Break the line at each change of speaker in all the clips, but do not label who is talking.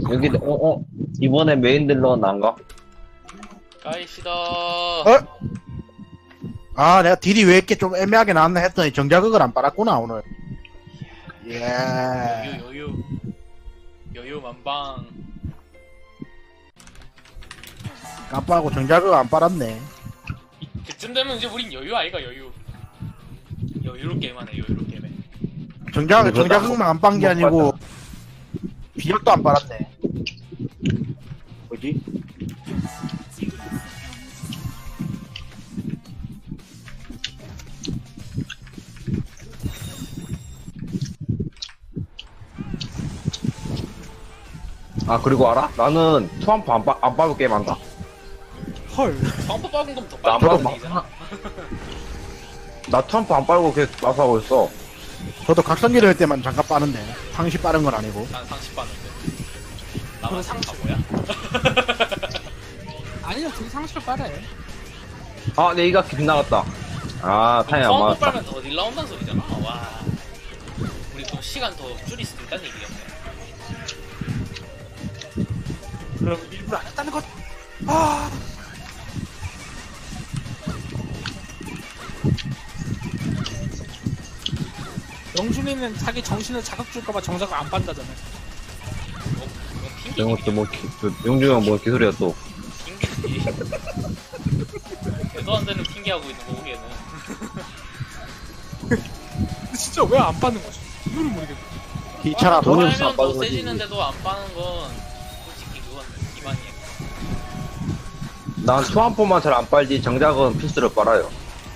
여기, 이번에 메인 딜러 난가?
가이시다.
아, 내가 딜이 왜 이렇게 좀 애매하게 나왔나 했더니 정자극을 안 빨았구나, 오늘. 예.
여유 만방.
깜빡하고 정자극 안 빨았네.
그쯤 되면 이제 우린 여유 아이가 여유. 여유롭게 게임하네, 여유롭게 게임해.
정자극만 안 빤 게 아니고, 비약도 안 빨았네. 뭐지?
아, 그리고 알아? 나는 투함프 안 빠고 게임한다.
헐.
방법 박은 거면 더
나
빨리
안
가는 얘기잖아.
나 투함프 안 빨고 계속 마수하고 있어.
저도 각성기를 할 때만 잠깐 빠는데, 상시 빠른 건 아니고.
난 상식 봤는데. 나만 상식 바보야?
아니요, 둘이 상식을 빨아요.
아, 내 이가 빗나갔다. 아, 타이밍 안
방법
맞았다.
빨면 더 딜 나온다는 소리잖아. 와. 우리 또 시간 더 줄일 수도 있다는 얘기였네.
그럼 일부러 안 했다는 것. 아.
영준이는 자기 정신을 자극 줄까봐 정작을 안 빤다잖아.
이건 핑계.
이것도 뭐, 용중이 형 뭐 기술이야 또.
핑계지. 대도 안 되는 핑계하고 있는 거고, 얘는.
근데 진짜 왜 안 빠는 거지? 이유를 모르겠네.
귀찮아,
돈이
돈이
없어.
빨면
안
더
빠는 거지.
세지는데도 안 빠는 건 솔직히 그건 기만이야.
난 투함프만 잘 안 빨지 정작은 필수로 빨아요.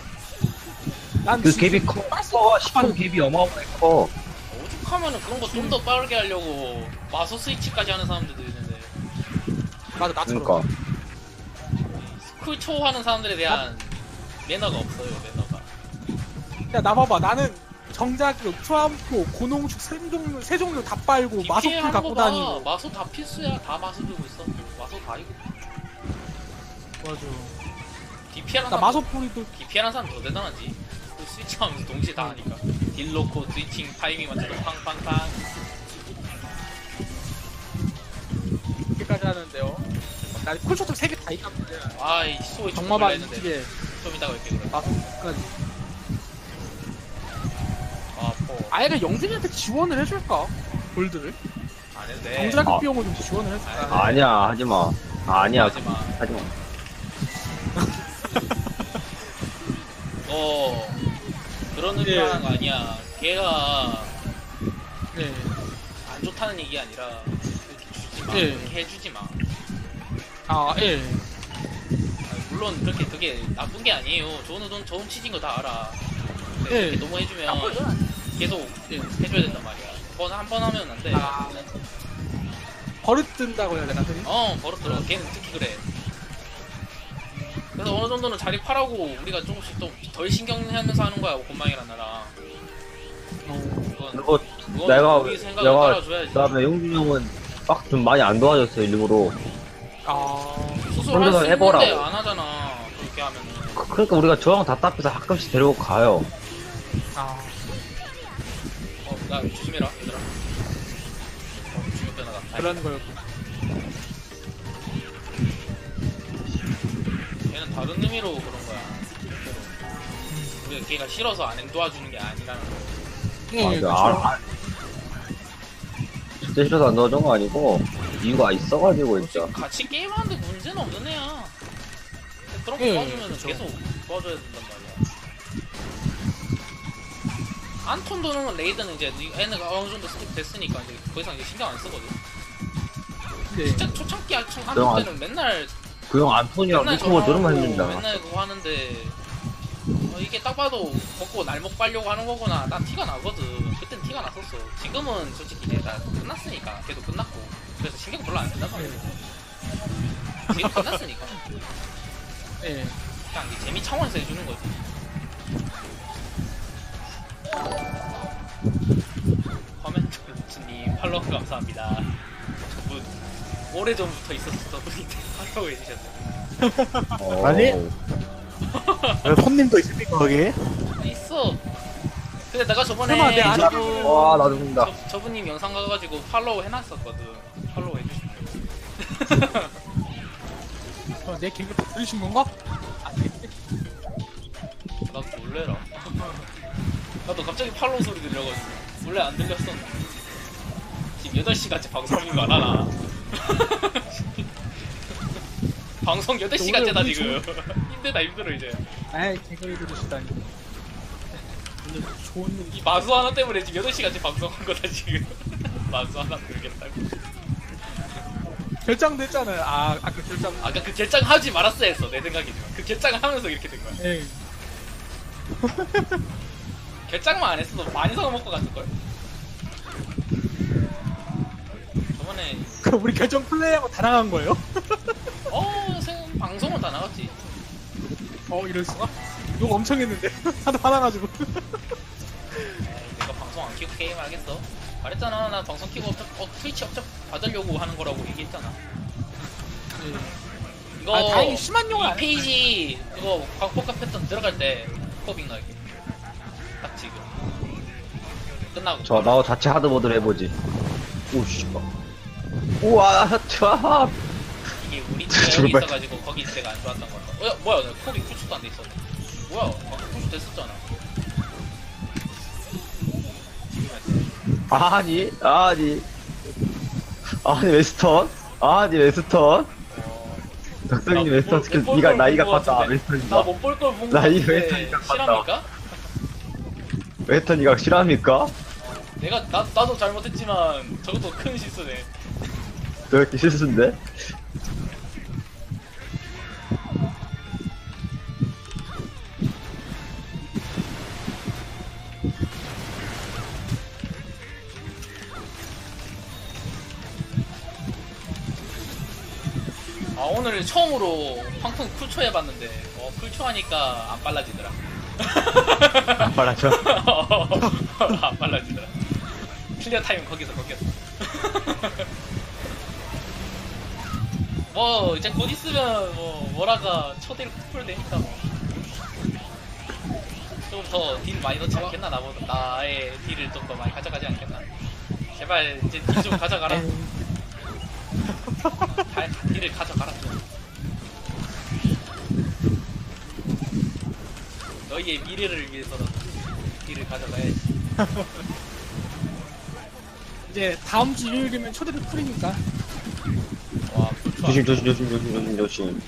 난
그
진짜
갭이 커. 10분 갭이 어마어마해 커.
오죽하면은 그런 거 좀 더 빠르게 하려고 마소 스위치까지 하는 사람들도 있는데
맞아, 나처럼.
그러니까.
스쿨초 하는 사람들에 대한 매너가 없어요, 매너가.
야, 나 봐봐. 나는 정작으로 트럼프, 고농축 세 종류 다 빨고 마소풀 갖고 다니고.
마소 다 필수야. 다 마소 들고 있어. 마소 다 이거.
맞아.
DPR한
나
사람
마소풀이도
DPR한 사람 더 대단하지. 그 스위치 하면서 동시에 다 하니까. 딜 놓고 스위칭 타이밍 맞춰서 팡팡팡.
이렇게까지 하는데요. 나 쿨쇼트 3개 다 있단 말이야.
아이 소위
정마방
했는데
이쪽에
좀 이따가 이렇게 그래.
마소풀까지.
아포
아예 영준이한테 지원을 해줄까? 골드를?
안 해도 돼.
정작의 비용을 좀 지원을 해줄까?
아니야, 하지마. 아니야,
하지마.
하지마.
그런 의미로 하는 거 아니야. 걔가
네.
안 좋다는 얘기 아니라 이렇게 주지 마.
예.
그렇게 해주지 마.
아, 예.
아니, 물론 그렇게 그게 나쁜 게 아니에요. 좋은 취지인 거 다 알아. 근데
예.
그렇게 너무 해주면 계속 해줘야 된단 말이야. 한 번 하면 안 돼.
아. 버릇 든다고 해야 되나, 흔히?
버릇들어. 걔는 특히 그래. 그래서 어느 정도는 자리 파라고 우리가 조금씩 좀 덜 신경하면서 하는 거야, 곤망이란 나라.
그리고
그건
내가
우리 생각을 따라줘야지.
그다음에 용준이 형은 막 좀 많이 안 도와줬어 일부러.
아.
수술
혼자서
할수
해보라고.
있는데 안 하잖아. 그렇게 하면은.
그러니까 우리가 저랑 답답해서 가끔씩 데리고 가요.
아.
나 조심해라, 얘들아. 죽였다 나가.
그런 거였고.
걔는 다른 의미로 그런 거야. 실제로. 우리가 걔가 싫어서 안 도와주는 게 아니라는 거.
예,
진짜 싫어서 안 도와준 거 아니고 이유가 있어가지고 진짜.
같이 게임하는데 문제는 없는 애야. 그런 거
예,
도와주면
그쵸.
계속 도와줘야 된단 말이야. 안톤 도는 건 레이드는 이제 애는 어느 정도 스킵 됐으니까 이제 더 이상 이제 신경 안 쓰거든.
네.
진짜 초창기
그럼
안톤 때는 맨날
그 형 안톤이랑 미팅을 들으면 힘든다.
맨날 그거 하는데 이게 딱 봐도 먹고 날먹 빨려고 하는 거구나. 난 티가 나거든. 그땐 티가 났었어. 지금은 솔직히 내가 끝났으니까 걔도 끝났고 그래서 신경 별로 안 쓴단 말이야. 지금 끝났으니까
예.
그냥 이 재미 차원에서 해주는 거지. 커멘트님 팔로우 감사합니다. 저분 오래전부터 있었던 분인데 팔로우 해주셨네.
아니? 손님도 있습니까, 거기?
있어. 근데 내가 저번에
설마 내 아는
저분
와, 나 죽는다.
저분님 영상 가가지고 팔로우 해놨었거든. 팔로우 해주시면
내 개그 다 들으신 건가? 아니겠지?
나도 놀래라. 나도 갑자기 팔로우 소리 들려가지고 원래 안 들렸었는데 지금 8시간째 방송인 거 알아나? 방송 8시간째다
우리
지금. 힘들다 힘들어 이제.
아이 개그를 들으시다니. 오늘 좋은
이 마수 하나 때문에 지금 8시간째 방송한 거다 지금. 마수 하나 들겠다고.
결정됐잖아요. 아까 결정.
아까 그 결정 하지 말았어야 했어 내 생각이지만 그 결정을 하면서 이렇게 된 거야.
예.
결정만 안 했어도 많이 사서 먹고 갔을걸? 저번에
그 우리 결정 플레이하고 다 나간 거예요?
방송은 다 나갔지.
이럴 수가? 욕 엄청 했는데 하도 화나가지고.
에이, 내가 방송 안 키고 게임 하겠어? 말했잖아 나 방송 키고 트위치 업적 받으려고 하는 거라고 얘기했잖아. 이거
다행히 심한 욕을
이
안
페이지 그거 광폭과 패턴 들어갈 때 코빙 나게 딱 지금 끝나고
저 나도 자체 하드보드를 해보지. 오씨. 우와 차.
이게 우리 팀에 여기 있어가지고 거기 있을 때가 안 좋았던 거야. 뭐야 나 코빙 구축도 안 돼 있었네. 뭐야 방금 구축 됐었잖아.
아니 웨스턴? 아니 웨스턴? 덕성님 웨스턴 스킬 니가 나이가 컸다. 웨스턴이가
나못 볼 걸 본 거
나이
같은데
웨스턴이가
실합니까?
웨스턴이가 실합니까?
내가 나도 잘못했지만 저것도 큰 실수네.
왜 이렇게 실수인데?
오늘 처음으로 황풍 쿨초 해봤는데 쿨초 하니까 안 빨라지더라.
안 빨라져?
안 빨라지더라. 클리어 타임 거기서. 뭐 이제 곧 있으면 뭐라가 초대로 풀 되니까 좀 더 딜 많이 넣지 않겠나 나의 딜을 좀 더 많이 가져가지 않겠나. 제발 이제 딜 좀 가져가라. 딜을 가져가라 좀. 너희의 미래를 위해서라도 딜을 가져가야지.
이제 다음 주 일요일이면 초대를 풀이니까.
와 쿨초
조심.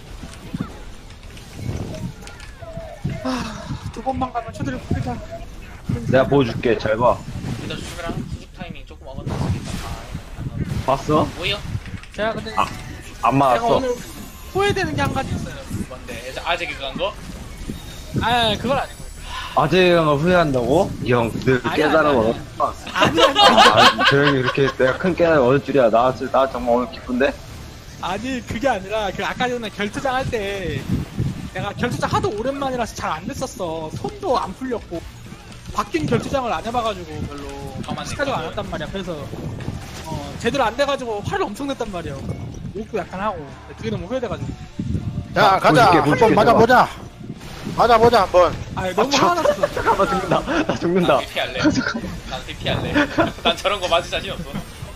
두 번만 가면 초대를 풀이다.
내가 보여줄게. 잘 봐.
일단 주시랑 수직 타이밍 조금 어긋났으니까
봤어?
뭐요?
제가 근데
안
제가
맞았어.
오늘 후회되는 게 한 가지 있어요.
뭔데? 아재 그간 거?
그건 아니고.
아재가 후회한다고? 이 형 늘
아니,
깨달음을
아니.
얻었구나. 저 형이 이렇게 내가 큰 깨달음을 얻을 줄이야. 나 정말 오늘 기쁜데?
아니 그게 아니라 그 아까 전에 결투장 할 때 내가 결투장 하도 오랜만이라서 잘 안 됐었어. 손도 안 풀렸고 바뀐 결투장을 안 해봐가지고 별로
가만히
시가지고 안
있거든.
했단 말이야. 그래서 제대로 안 돼가지고 화를 엄청 냈단 말이야. 욕도 약간 하고 그게 너무 후회돼가지고.
자 가자.
보여줄게,
한번 맞아보자. 맞아보자 한번.
너무 화났어.
잠깐만 죽는다. 나 죽는다.
난 대피할래. 난 대피할래. 난 저런 거 맞을 자신 없어.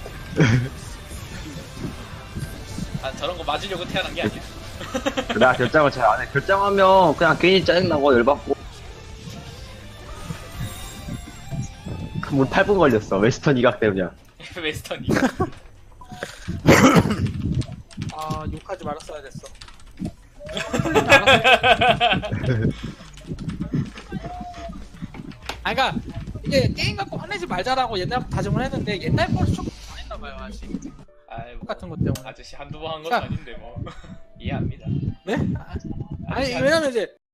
난 저런 거 맞으려고 태어난 게 아니야.
나 결정을 잘 안 해. 결정하면 그냥 괜히 짜증나고 열받고. 뭐 8분 걸렸어. 웨스턴 이각 때문이야.
웨스턴이.
욕하지 말았어야 됐어. 그러니까 이게 게임 갖고 화내지 말자라고 옛날부터 다짐을 했는데 옛날 거를 조금 안 했나봐요 아직.
아이,
똑같은 것 때문에.
아저씨 한두 번 한 것도
자.
아닌데 뭐. 이해합니다.
네? 아니 왜냐면 이제